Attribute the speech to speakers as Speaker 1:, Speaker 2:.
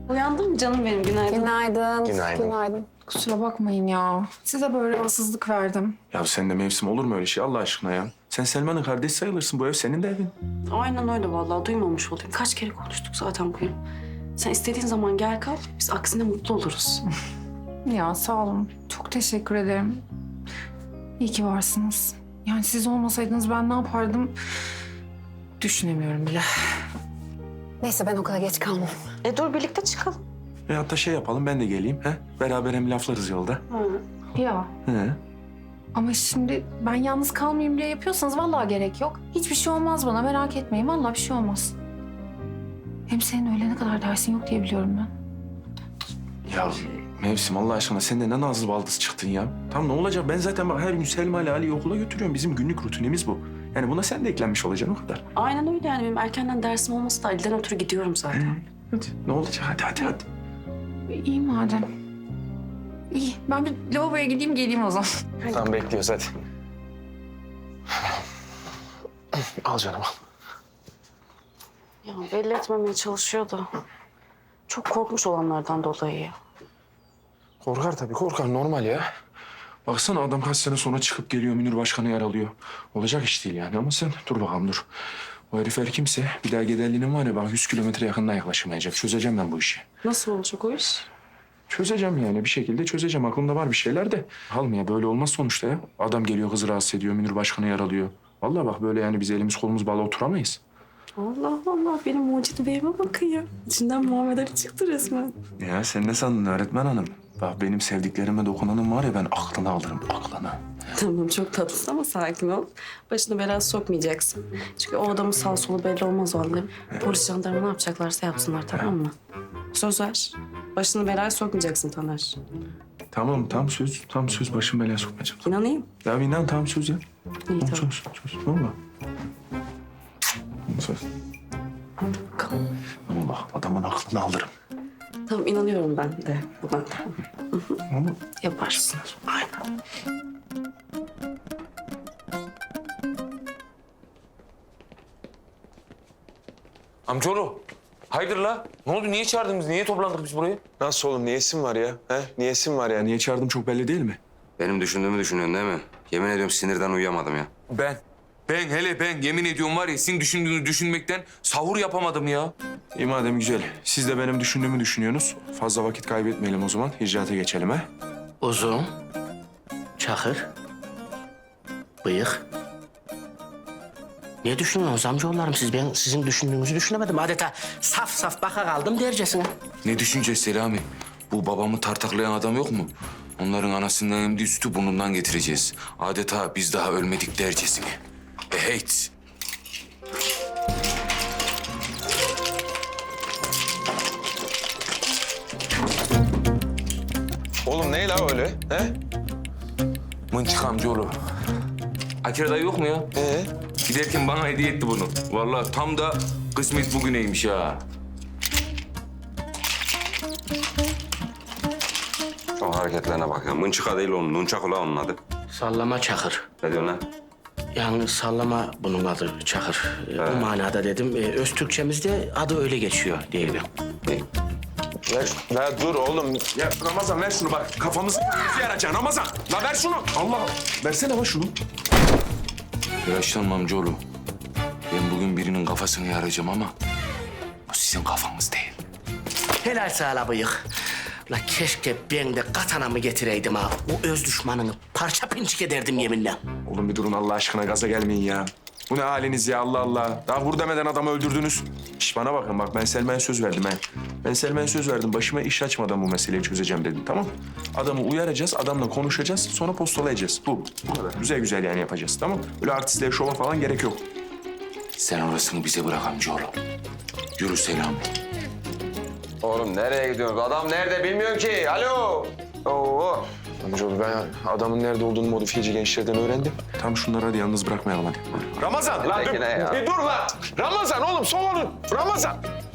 Speaker 1: Uyandın mı canım benim? Günaydın.
Speaker 2: Günaydın.
Speaker 3: Günaydın.
Speaker 2: Kusura bakmayın ya. Size böyle rahatsızlık verdim.
Speaker 3: Ya sen de mevsim olur mu öyle şey Allah aşkına ya? Sen Selma'nın kardeşi sayılırsın. Bu ev senin de evin.
Speaker 1: Aynen öyle vallahi. Duymamış olayım. Kaç kere konuştuk zaten bugün. Sen istediğin zaman gel kal. Biz aksine mutlu oluruz.
Speaker 2: Ya sağ olun. Çok teşekkür ederim. İyi ki varsınız. Yani siz olmasaydınız ben ne yapardım düşünemiyorum bile.
Speaker 4: Neyse ben okula geç kalmam.
Speaker 1: Dur birlikte çıkalım.
Speaker 3: Hatta şey yapalım ben de geleyim. He? Beraber hem laflarız yolda.
Speaker 2: Ya
Speaker 3: He.
Speaker 2: ama şimdi ben yalnız kalmayayım diye yapıyorsanız vallahi gerek yok. Hiçbir şey olmaz bana, merak etmeyin. Vallahi bir şey olmaz. Hem senin öğlene kadar dersin yok diye biliyorum ben.
Speaker 3: Ya mevsim Allah aşkına sen de ne nazlı baldız çıktın ya. Tamam ne olacak? Ben zaten bak her gün Selma ile Ali'yi okula götürüyorum. Bizim günlük rutinimiz bu. Yani buna sen de eklenmiş olacaksın o kadar.
Speaker 1: Aynen öyle yani. Benim erkenden dersim olması da Ali'den ötürü gidiyorum zaten.
Speaker 3: Hadi ne olacak? Hadi.
Speaker 2: İyi madem. İyi. Ben bir lavaboya gideyim geleyim o zaman.
Speaker 3: Tamam bekliyoruz hadi. Al canım al.
Speaker 1: Ya belli etmemeye çalışıyordu. Çok korkmuş olanlardan dolayı ya.
Speaker 3: Korkar tabii korkar normal ya. Baksana adam kaç sene sonra çıkıp geliyor Münir Başkan'ı yaralıyor. Olacak iş değil yani ama sen dur bakalım dur. O herif her kimse bir daha giderliğinin var ya bak 100 kilometre yakından yaklaşamayacak. Çözeceğim ben bu işi.
Speaker 1: Nasıl olacak o iş?
Speaker 3: Çözeceğim yani bir şekilde çözeceğim. Aklımda var bir şeyler de. Almaya böyle olmaz sonuçta ya. Adam geliyor kızı rahatsız ediyor. Münir Başkan'ı yaralıyor. Vallahi bak böyle yani biz elimiz kolumuz bağlı oturamayız.
Speaker 1: Allah Allah benim mucit beyime bakın ya. İçinden Muhammed Ali çıktı resmen.
Speaker 3: Ya sen ne sandın öğretmen hanım? Bak benim sevdiklerime dokunanın var ya ben aklını alırım aklını.
Speaker 1: Tamam çok tatlısın ama sakin ol. Başını belaya sokmayacaksın. Çünkü o adamın sağ solu belli olmaz vallahi. Polis jandarma ne yapacaklarsa yapsınlar tamam mı? Söz ver. Başını belaya sokmayacaksın Taner.
Speaker 3: Tamam tam söz başım belaya sokmayacağım.
Speaker 1: İnanayım.
Speaker 3: Ya inan tam söz ya.
Speaker 1: İyi
Speaker 3: Tamam,
Speaker 1: tamam.
Speaker 3: söz. Valla. Söz.
Speaker 1: Bakalım.
Speaker 3: Ama bak adamın aklını alırım.
Speaker 1: Tamam inanıyorum ben de buna.
Speaker 3: Ama
Speaker 1: Yaparsın. Aynen.
Speaker 5: Amcaoğlu, hayırdır la? Ne oldu? Niye çağırdınız? Niye toplandık biz buraya?
Speaker 6: Nasıl oğlum? Niyesin var ya? He? Niyesin var ya?
Speaker 3: niye çağırdım çok belli değil mi?
Speaker 7: Benim düşündüğümü düşünüyorsun değil mi? Yemin ediyorum sinirden uyuyamadım ya.
Speaker 5: Ben yemin ediyorum var ya sizin düşündüğünüzü düşünmekten sahur yapamadım ya.
Speaker 3: İyi madem güzel. Siz de benim düşündüğümü düşünüyorsunuz. Fazla vakit kaybetmeyelim o zaman. İcraata geçelim ha.
Speaker 8: Uzun, çakır, bıyık. Ne düşünüyorsunuz amcaoğullarım siz? Ben sizin düşündüğünüzü düşünemedim. Adeta saf baka kaldım dercesine.
Speaker 5: Ne düşüneceğiz Selami? Bu babamı tartaklayan adam yok mu? Onların anasından emdiği sütü burnundan getireceğiz. Adeta biz daha ölmedik dercesine. Heyt.
Speaker 6: Oğlum ne la öyle? He?
Speaker 5: Mınçık amcaoğlu. Akira dayı yok mu ya? Giderken bana hediye etti bunu. Vallahi tam da kısmet bugüneymiş ha.
Speaker 7: Şu hareketlerine bak ya. Mınçıka değil onun. Nunçak ula onun adı.
Speaker 8: Sallama çakır.
Speaker 7: Ne diyorsun lan?
Speaker 8: Yani sallama bunun adı çakır. Bu manada dedim. Öz Türkçemizde adı öyle geçiyor diyelim.
Speaker 6: La dur oğlum.
Speaker 3: Ya Ramazan ver şunu bak. Kafamızı yaracaksın Ramazan. La ver şunu. Allah. Versene la şunu.
Speaker 5: Yaşlanma amcaoğlu. Ben bugün birinin kafasını yaracağım ama bu sizin kafanız değil.
Speaker 8: Helal sağla bıyık. La keşke ben de katanamı getireydim ha. O öz düşmanını parça pinçik ederdim yeminle.
Speaker 3: Oğlum bir durun Allah aşkına gaza gelmeyin ya. Bu ne haliniz ya Allah Allah. Daha vur demeden adamı öldürdünüz. Şş bana bakın bak ben Selma'ya söz verdim he. Ben Selma'ya söz verdim. Başıma iş açmadan bu meseleyi çözeceğim dedim tamam. Adamı uyaracağız, adamla konuşacağız. Sonra postalayacağız. Bu kadar. Güzel yani yapacağız tamam. Böyle artistliğe, şova falan gerek yok.
Speaker 5: Sen orasını bize bırak amcaoğlu. Yürü Selami.
Speaker 6: Oğlum nereye gidiyorsun? Adam nerede bilmiyorum ki. Alo. Oo.
Speaker 3: Amcaoğlu ben adamın nerede olduğunu modifiyeci gençlerden öğrendim. Tam şunları hadi yalnız bırakmayalım hadi.
Speaker 6: Ramazan lan
Speaker 7: Peki ne ya?
Speaker 6: bir dur lan. Ramazan oğlum soğanın. Ramazan.